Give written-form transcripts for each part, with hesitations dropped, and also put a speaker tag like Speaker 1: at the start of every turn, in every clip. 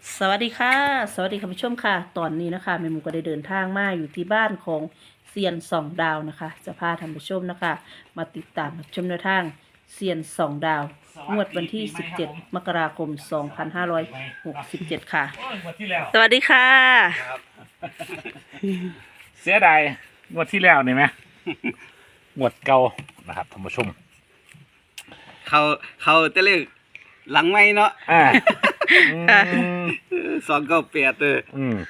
Speaker 1: สวัสดีค่ะสวัสดีคุณผู้ชมค่ะตอนนี้นะคะแม่หมูก็ได้เดินทางมาอยู่ที่บ้านของเซียนสองดาวนะคะจะพาท่านผู้ชมนะคะมาติดตามรับชมแนวทางเซียนสองดาวงวดวันที่ 17 มกราคม 2567 ค่ะ
Speaker 2: โอ้ยงวดที่แล้ว
Speaker 1: สวัสดีค่ะ
Speaker 2: ครับ เสียดายงวดที่แล้วนี่ไหมงวดเก่านะครับท่านผู้ชม
Speaker 3: เขาเขาจะเรียกหลังไม่เนาะ
Speaker 2: อ่า
Speaker 1: ค่ะ
Speaker 3: 298
Speaker 2: อืม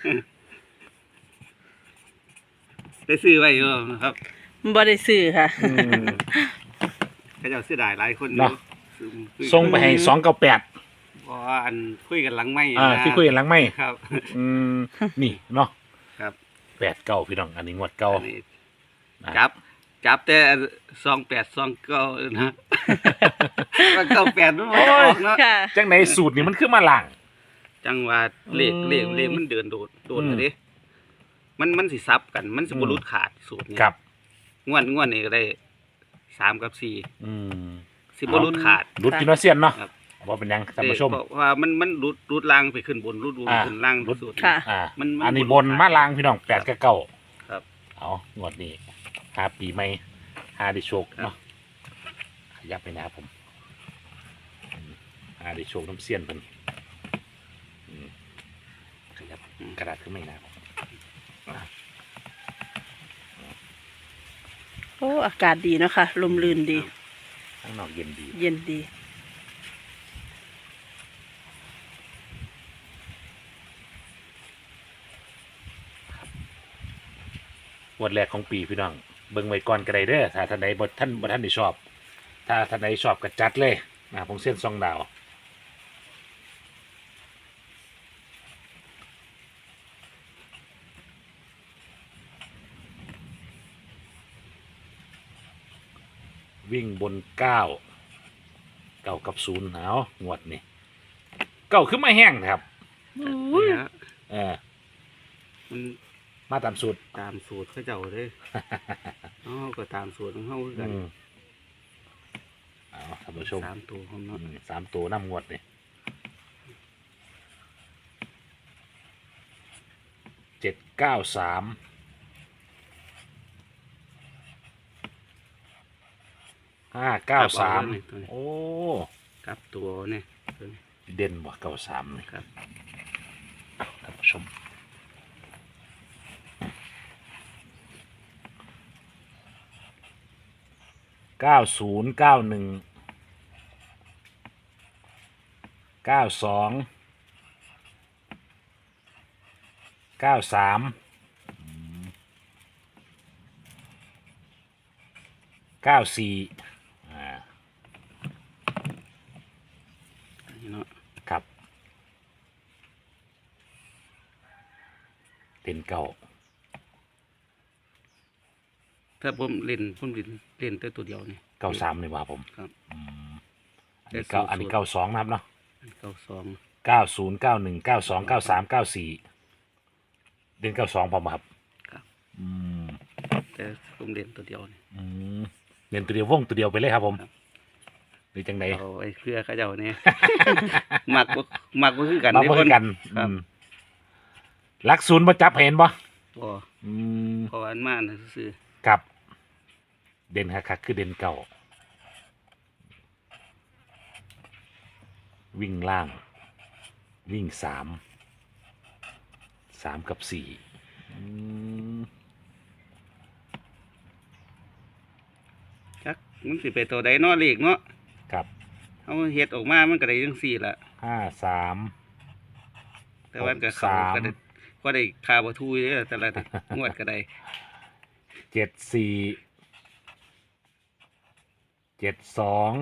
Speaker 3: ได้ซื้อไว้อยู่นะครับ
Speaker 1: บ่ได้ซื้อค่ะ
Speaker 2: อืม
Speaker 3: เขาเจ้าเสียดายหลายคน
Speaker 2: เนาะ
Speaker 3: ซื้อ
Speaker 2: ส่งไปให้298
Speaker 3: เพราะว่าอันคุยกันหลังไม่
Speaker 2: ที่คุยกันหลังไม่
Speaker 3: ครับ
Speaker 2: อืมนี่เนาะ
Speaker 3: ครับ
Speaker 2: 89พี่น้องอันนี้งวดเก่า
Speaker 3: อันนี้
Speaker 2: นะ
Speaker 3: จับแต่2829นะว่า98มันบ่ออกเนาะ
Speaker 1: ค่ะ
Speaker 2: จังไหนสูตรนี่มันขึ้นมาล่าง
Speaker 3: จังว่าเลขมันเดินโดดเลยเด้มันสิซับกันมันสิบ่หลุดขาดสูตรนี้
Speaker 2: ครับ
Speaker 3: งวดนี้ก็ได้3กับ4
Speaker 2: อืม
Speaker 3: สิบ่หลุดขาด
Speaker 2: รุดกินว่าเซียนเนาะ
Speaker 3: ครับ
Speaker 2: ว่าเป็นยังท่านผู้ชม
Speaker 3: เพราะว่ามันรุดล่างไปขึ้นบนรุด
Speaker 2: อ่า
Speaker 3: ขึ้นล่าง
Speaker 2: รุด
Speaker 3: สุด
Speaker 1: ค่ะ
Speaker 2: อ่า
Speaker 3: มัน
Speaker 2: อันนี้บนมาล่างพี่น้อง8กับ9
Speaker 3: ครับ
Speaker 2: เอางวดนี้หาปีใหม่หาได้โชค
Speaker 3: ครับ
Speaker 2: เนาะขยับไปนะครับผมหาได้โชคน้ำเสี้ยนเพิ่นอืมขยับกระดาษขึ้นไม่นะครับ
Speaker 1: โอ้อากาศดีเนาะคะลมลื่นดี
Speaker 2: ข้างนอกเย็นดี
Speaker 1: เย็นดี
Speaker 2: งวดแรกของปีพี่น้องเบิ่งไว้ก่อนก็ได้เด้อถ้าท่านใดบ่ท่านได้ชอบ ถ้าท่านใดชอบก็จัดเลยนะครับผมเส้นซองดาววิ่งบน9 9กับ0เอางวดนี่เก้าขึ้นมาแห้งนะครับ
Speaker 3: เนี่ย
Speaker 2: เออ
Speaker 3: มัน
Speaker 2: มาตามสูตร
Speaker 3: ตามสูตรเขาเจ้าเลยอ๋อก็ตามสูตรของเขาคือกัน
Speaker 2: เอาท่านผู้ชม
Speaker 3: 3ตัวของเนาะ
Speaker 2: 3 ตัวน้ำงวดนี่793 593โอ้
Speaker 3: กลับตัวเนี่ยตัวนี้
Speaker 2: เด่นบ่93นี่
Speaker 3: ครับ
Speaker 2: ท่านผู้ชม90 91 92 93 94
Speaker 3: นี่เนาะ
Speaker 2: ครับเป็นเก่า
Speaker 3: ถ้าผมเล่นแต่ตัวเดียวนี่
Speaker 2: 93นี่ว่าผม
Speaker 3: ครับ
Speaker 2: อืมอัน
Speaker 3: แต่
Speaker 2: นี้เก้า
Speaker 3: สูตร
Speaker 2: อันนี้92นะครับเนาะ
Speaker 3: 92
Speaker 2: 90 91 92 93 94เด่น92พอมาครับ
Speaker 3: ครับ
Speaker 2: อืม
Speaker 3: แต่ผมเล่นตัวเดียวนี่
Speaker 2: อืมเด่นตัวเดียววงตัวเดียวไปเลยครับผม
Speaker 3: ครับ
Speaker 2: หรือจังได
Speaker 3: เอาไอ้เพื่อเขาเจ้าเนี่ย มักบ่คือกัน
Speaker 2: มา
Speaker 3: เด้
Speaker 2: เพื่อกัน
Speaker 3: ครับ
Speaker 2: หลักศูนย์มาจับเห็นบ่
Speaker 3: บ่
Speaker 2: อืม
Speaker 3: เพราะว่าอันมาน่ะซื่อ
Speaker 2: กับ เด่นคักๆคือเด่นเก่า วิ่งล่าง วิ่ง3กับ4อืม
Speaker 3: จักมันสิไปตัวใดเนาะเลขเนาะ
Speaker 2: กับ
Speaker 3: เอาเฮ็ดออกมามันก็ได้จังซี่ล่ะ
Speaker 2: 53
Speaker 3: แต่ว่าก็เขา
Speaker 2: 63
Speaker 3: ก็ได้ก็ได้ค่าบ่ทูเด้อแต่ละงวดก็ได้
Speaker 2: 74 72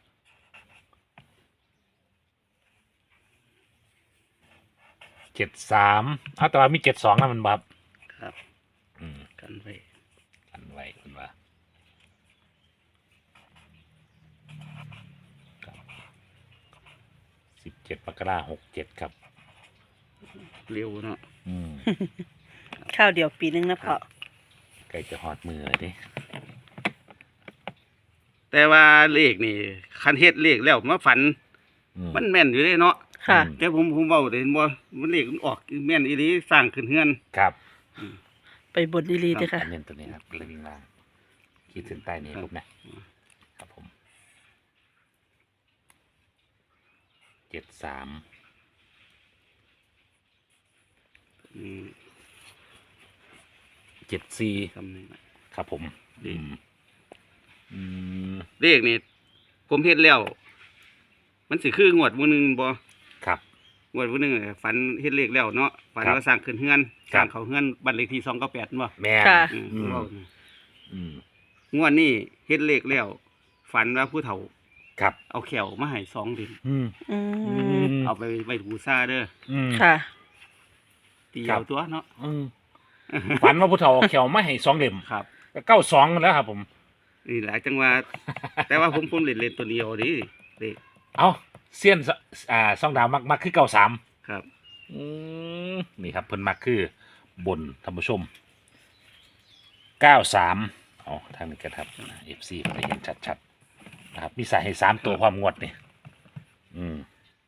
Speaker 2: 73แต่ว่ามี72นะมันบับ
Speaker 3: ครับ
Speaker 2: อืม
Speaker 3: กันไว้
Speaker 2: อันไว้คุณว่า17 มกราคม 67ครับ
Speaker 3: เร็วเนาะ
Speaker 2: อืม
Speaker 1: ข้าวเดียวปีนึงนะพ่อ
Speaker 2: ใกล้จะหอดมือเลยดิ
Speaker 3: แต่ว่าเลขนี่คันเฮ็ดเลขแล้วมาฝันมันแม่นอยู่เด้เนาะ
Speaker 1: ค่ะ
Speaker 3: แต่ผมเว้าได้บ่มันเลขมันออกแม่นอีหลีสร้างขึ้นเฮือน
Speaker 2: ครับ
Speaker 1: ไปบนดีๆด้วยค่ะ
Speaker 2: อันเน้นตัวนี้ครับเลยวิ่งล่างขีดเส้นใต้นี่ปุ๊บนะครับผม73
Speaker 3: อืม
Speaker 2: 74
Speaker 3: ซ้ำนี่ล่ะ
Speaker 2: ครับผมอืม
Speaker 3: เลขนี่ผมเฮ็ดแล้ว มันสิคืองวดมื้อนึงบ่
Speaker 2: ครับ
Speaker 3: งวดมื้อนึงฝันเฮ็ดเลขแล้วเนาะฝัน
Speaker 2: ครับ
Speaker 3: ว่าสร้างขึ้นเฮือน
Speaker 2: ค
Speaker 3: ส
Speaker 2: รับ
Speaker 3: ร้างเขาเฮือนบ้านเลขที่298บ่
Speaker 2: แม่น
Speaker 1: ค่ะ
Speaker 3: อืม
Speaker 2: อืม
Speaker 3: เว้า
Speaker 2: อืม
Speaker 3: งวดนี้เฮ็ดเลขแล้วฝันว่าผู้เฒ่า
Speaker 2: ครับ
Speaker 3: เอาแขวมาให้2เดือน
Speaker 2: อืม
Speaker 1: อืม
Speaker 3: เอาไปไว้บูชาเด้อ
Speaker 2: อืม
Speaker 1: ค่ะ
Speaker 3: ตี
Speaker 2: ครับ
Speaker 3: เอาตัวเนาะ
Speaker 2: อืมฝันว่าผู้เฒ่าเอาเขียวมาให้2เล่ม
Speaker 3: ครับ
Speaker 2: ก็92แล้วครับผม
Speaker 3: นี่หลายจังหว่า แต่ว่าผมเล่นตัวเดียวดิเลข
Speaker 2: เอาเซียนซองดาวมักคือ93
Speaker 3: ครับ
Speaker 2: นี่ครับเพิ่นมักคือบนท่านผู้ชม93เอาทางนี้กันครับ FC ไปเห็นชัดๆนะครับมีสายให้3ตัวความงวดนี่อืม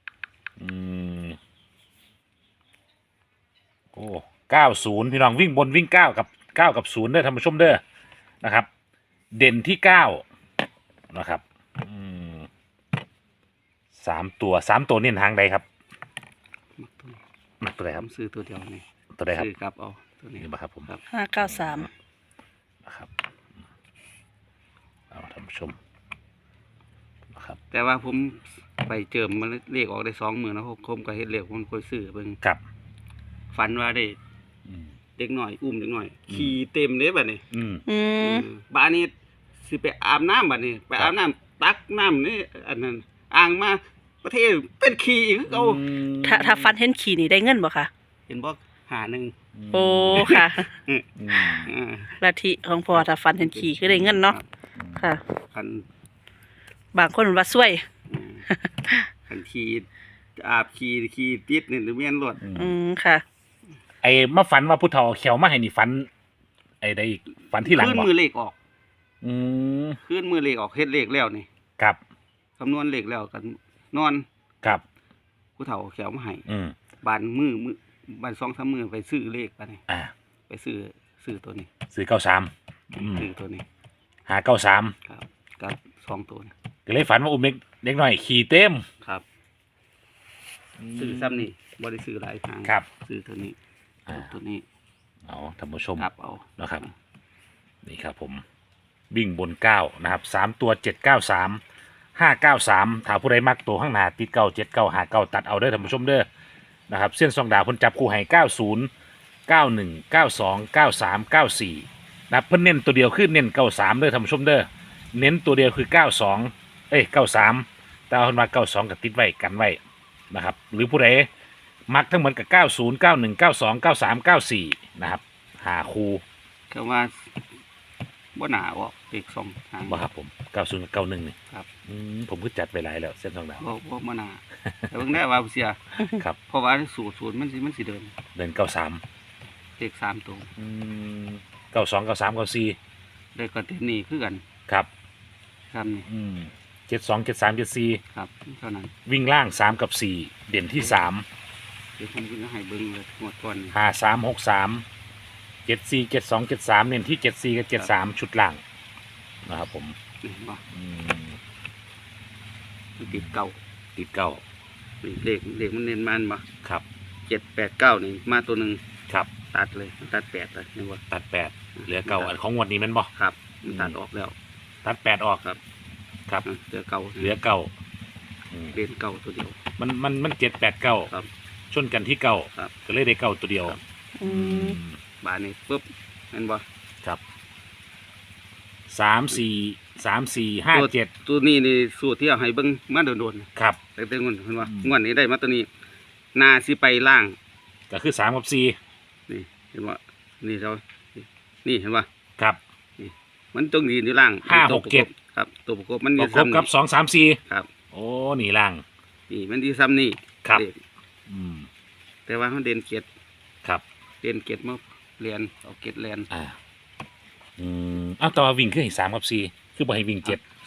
Speaker 2: โอ้90พี่น้องวิ่งบนวิ่ง9กับ0เด้อท่านผู้ชมเด้อนะครับ เด่นที่9นะครับ3ตัวเน้นทางใดครับ
Speaker 3: มักตัวนี้
Speaker 2: มักตัวใดค
Speaker 3: ผ
Speaker 2: รับ
Speaker 3: มซื้อตัวเดียวนี่
Speaker 2: ตัวใดครับ
Speaker 3: ซื้อครับเอาตัวนี้
Speaker 2: นี่บ่ครับผม
Speaker 3: ครับ
Speaker 1: 593
Speaker 2: นะครับเอาท่านผู้ชมนะครับ
Speaker 3: แต่ว่าผมไปเจิมมันเลขออกได้2มื้อนะผมก็เฮ็ดเลขผมค่อยซื้อเบิ่ง
Speaker 2: ครับ
Speaker 3: ฝันว่าได้
Speaker 2: อืม
Speaker 3: เด็กน้อยอุ้มเด็กน้อยขี่เต็มเด้บัดนี้
Speaker 1: อืม
Speaker 3: บ้านนี้สิไปอาบน้ำบัดนี้ ไปอาบน้ำตักน้ำนี่อันนั้นอ่างมาประเทศเป็นขี่อีกคือเก่า
Speaker 1: ถ้าฟันเห็นขี่นี่ได้เงินบ่คะ
Speaker 3: เห็นบ่หาหนึ่ง
Speaker 1: โอ้ค่ะ
Speaker 2: อืม
Speaker 3: อ่า
Speaker 1: ลัทธิของพ่อถ้าฟันเห็นขี่คือได้เงินเนาะ ค่ะ
Speaker 3: คัน
Speaker 1: บางคนว่าซวย
Speaker 3: อืมคันขี่อาบขี่ติดนี่หรือเมียนรถ
Speaker 1: อืมค่ะ
Speaker 2: ไอ้มาฝันว่าผู้เฒ่าเขียวมาให้นี่ฝัน ไอ้ได้อีกฝันที่หลัง
Speaker 3: ขึ้น
Speaker 2: บ่
Speaker 3: มือเลขออก
Speaker 2: อืม
Speaker 3: ขึ้นมือเลขออกเฮ็ดเลขแล้วนี่
Speaker 2: ครับ
Speaker 3: คำนวณเลขแล้วกันนอน
Speaker 2: ครับ
Speaker 3: ผู้เฒ่าเขียวมาให้
Speaker 2: อืม
Speaker 3: บานมือบาน2-3มื้อไปซื้อเลขไปนี่
Speaker 2: อ่า
Speaker 3: ไปซื้อตัวนี้
Speaker 2: ซื้อ93อืม
Speaker 3: ซื้อตัวนี้
Speaker 2: หา93
Speaker 3: ครับกับ2ตัวนี้
Speaker 2: ก็เลยฝันว่าอุ้มเด็กน้อยขี่เต็ม
Speaker 3: ครับซื้อซ้ำนี่บ่ได้ซื้อหลายทาง
Speaker 2: ครับ
Speaker 3: ซื้อตัวนี้
Speaker 2: อ่า
Speaker 3: ตัวนี้
Speaker 2: เอาท่านผู้ชม
Speaker 3: ครับเอา
Speaker 2: นะครับ นี่ครับผมวิ่งบน9นะครับ3ตัว793 593ถ้าผู้ใดมักตัวข้างหน้าติด97959ตัดเอาเด้อท่านผู้ชมเด้อนะครับเส้นซองดาวเพิ่นจับคู่ให้90 91 92 93 94นะครับเพิ่นเน้นตัวเดียวคือเน้น93เด้อท่านผู้ชมเด้อเน้นตัวเดียวคือ92 93แต่เอาเพิ่นมา92กับติดไว้กันไว้นะครับหรือผู้ใดมักทั้งหมดกับ90 91 92 93 94นะครับหาคู่
Speaker 3: ก็ว่าบ่หนาออกเลข2ทาง
Speaker 2: บ่ครับผม90กับ91นี่
Speaker 3: ครับ
Speaker 2: ผมก็จัดไปหลายแล้วเส้นทางดาว
Speaker 3: บ่หนาแต่เบิ่งได้ว่าเสีย
Speaker 2: ครับ
Speaker 3: เพราะว่าสูตรมันสิเดิน
Speaker 2: เดิน93
Speaker 3: เลข3ตัว
Speaker 2: 92 93 94
Speaker 3: เลขก็เต็มนี่คือกัน
Speaker 2: ครับ
Speaker 3: ครับนี่
Speaker 2: 72 73 74
Speaker 3: ครับเท่านั้น
Speaker 2: วิ่งล่าง3กับ4เด่นที่3
Speaker 3: เดี๋ยวผมจะให้เบิ่งเลยงวดก่อนนี่
Speaker 2: 53 63 74 72 73เน้นที่74กับ73ชุดล่างนะครับผม
Speaker 3: นี่บ่
Speaker 2: อืม
Speaker 3: ติดเก่า
Speaker 2: ติดเก้า
Speaker 3: นี่เลขมันเน้นมันบ่
Speaker 2: ครับ
Speaker 3: 789นี่มาตัวหนึง
Speaker 2: ครับ
Speaker 3: ตัดเลยตัด8เลยนี่ว่า
Speaker 2: ตัด8เหลือเก้าอันของงวดนี้แมันบ่
Speaker 3: ครับมันตัดออกแล้ว
Speaker 2: ตัด8ออก
Speaker 3: ครับ
Speaker 2: ครับ
Speaker 3: เหลือเก่า
Speaker 2: เหลือเก้าอืม
Speaker 3: เล่นเก่าตัวเดียว
Speaker 2: มัน7 8 9
Speaker 3: ครับ
Speaker 2: ชนกันที่เก้า
Speaker 3: ครับ
Speaker 2: ก็เลยได้เก้าตัวเดียว
Speaker 3: ครับ
Speaker 1: อืม
Speaker 3: บานนี้ปุ๊บเห็นบ่
Speaker 2: ครับ3 4 5 7
Speaker 3: ตัวนี้นี่สูตรที่เอาให้เบิ่งมาโดนๆ
Speaker 2: ครับ
Speaker 3: แต่เงินเห็นว่า
Speaker 2: อืม
Speaker 3: งวดนี้ได้มาตัวนี้นาสิไปล่าง
Speaker 2: ก็คือ3กับ4
Speaker 3: นี่เห็นว่านี่เรานี่เห็นว่า
Speaker 2: ครับ
Speaker 3: มันต้องยืนอยู่ล่าง
Speaker 2: ห้า
Speaker 3: ตัว
Speaker 2: หกเจ็ด
Speaker 3: ประบครับ ตัวประกบมัน
Speaker 2: ป
Speaker 3: มี
Speaker 2: ระกบกับ
Speaker 3: ซ้ำนี่
Speaker 2: 2 3 4
Speaker 3: ครับ
Speaker 2: โอ้นี่ล่าง
Speaker 3: นี่มันที่ซ้ำนี่
Speaker 2: ครับ
Speaker 3: เลข
Speaker 2: อืม
Speaker 3: แต่ว่าเขาเด่นเกียรติ
Speaker 2: ครับ
Speaker 3: เด่นเกียรติมาเรียนเอาเกียรติเรียน
Speaker 2: อ้าวแต่ว่าวิ่งคือให้3กับ4คือบ่ให้วิ่ง7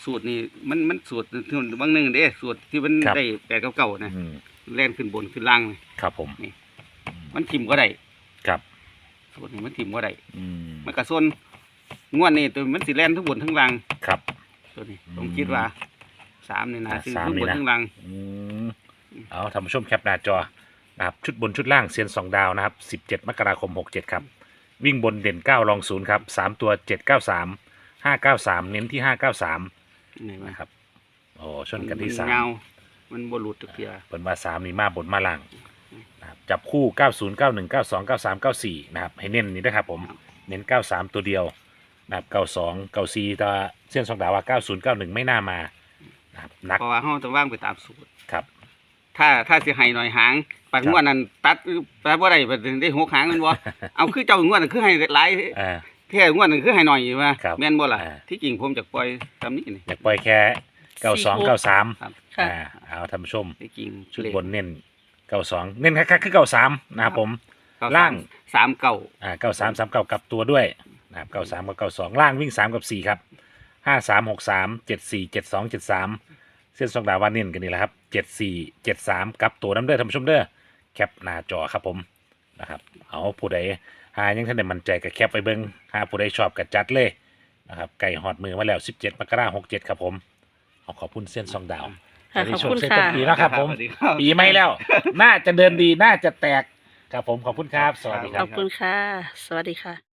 Speaker 3: สูตรนี่มันสูตรบางหนึงเด้สูตรที่มันได้8กับ9นะ
Speaker 2: อืม
Speaker 3: แล่นขึ้นบนขึ้นล่างนี่
Speaker 2: ครับผม
Speaker 3: มันทิ่มก็ได้
Speaker 2: ครับ
Speaker 3: สูตรนี้มันทิ่มก็ได้
Speaker 2: อืม
Speaker 3: มันก็ส่วนงวดนี้ตัวมันสิแล่นทั้งบนทั้งล่าง
Speaker 2: ครับ
Speaker 3: ตัวนี้ผมคิดว่า3นี่นะซึ่ง
Speaker 2: สาม
Speaker 3: ทั้ง
Speaker 2: นี่
Speaker 3: บน
Speaker 2: นะ
Speaker 3: ทั้งล่าง
Speaker 2: อืมเอาท่านผู้ชมแคปหน้าจอนะครับชุดบนชุดล่างเซียน2 ดาวนะครับ17 มกราคม 67 ครับ วิ่งบนเด่น 9 รอง 0 ครับ 3 ตัว 793 593 เน้นที่ 593
Speaker 3: นี่มัน
Speaker 2: นะครับโอ้ชนกันที่
Speaker 3: เงามันบ่หลุดทุกเทีย
Speaker 2: 3เป็นว่า 3 นี่มาบนมาล่างนะครับจับคู่ 90 91 92 93 94 นะครับให้เน้นนี่นะครับผมเน้น 93 ตัวเดียวนะครับ92 94แต่เส้น2 ดาวว่า 90 91 ไม่น่ามานะครับนัก
Speaker 3: เพราะว่าเฮาต้องวางไปตามสูตร
Speaker 2: ครับ
Speaker 3: ถ้าสิให้หน่อยหางปัดงวดนั้นตัดบ่ได้บัดได้6หางแม่นบ่ เอาคือเจ้างวดนั้นคือให้หลาย
Speaker 2: อ่า
Speaker 3: แท้งวดนั้นคือให้หน่อยว่า
Speaker 2: ครับ
Speaker 3: แม่นบ่ล่ะ
Speaker 2: อ่า
Speaker 3: ที่จริงผมจะปล่อยตามนี้นี่
Speaker 2: อยากปล่อยแค่92 93
Speaker 3: ครับ
Speaker 1: ค่ะ
Speaker 2: เอาท่านผู้ชม
Speaker 3: ที่จริง
Speaker 2: ชุดบนเน้น92เน้นคักๆคือ93นะครับผม ล่าง
Speaker 3: 39
Speaker 2: 93 39กลับตัวด้วยนะครับ93กับ92ล่างวิ่ง3กับ4ครับ53 63 74 72 73เส้นสองดาววาเน้นกันนี่แหละครับ74 73กลับตัวน้ำเด้อท่านผู้ชมเด้อแคปหน้าจอครับผมนะครับเอาผู้ใดหายังท่านได้มั่นใจกับแคปไปเบิ่งหาผู้ใดชอบกับจัดเลยนะครับไก่หอดมือมาแล้ว17 มกราคม 67ครับผมเอาขอบคุณเส้นสองดาว
Speaker 1: ค่ะขอบคุณ
Speaker 2: เส้น
Speaker 1: ค่ะ
Speaker 2: ต้นปีนะครับผม
Speaker 3: สวัสดีครับ
Speaker 2: ปีไม่แล้ว น่าจะเดินดีน่าจะแตกครับผมขอบคุณครับ สวัสดีค
Speaker 1: ข
Speaker 2: รั
Speaker 1: อบ บคุณค่ะ สวัสดีค่ะ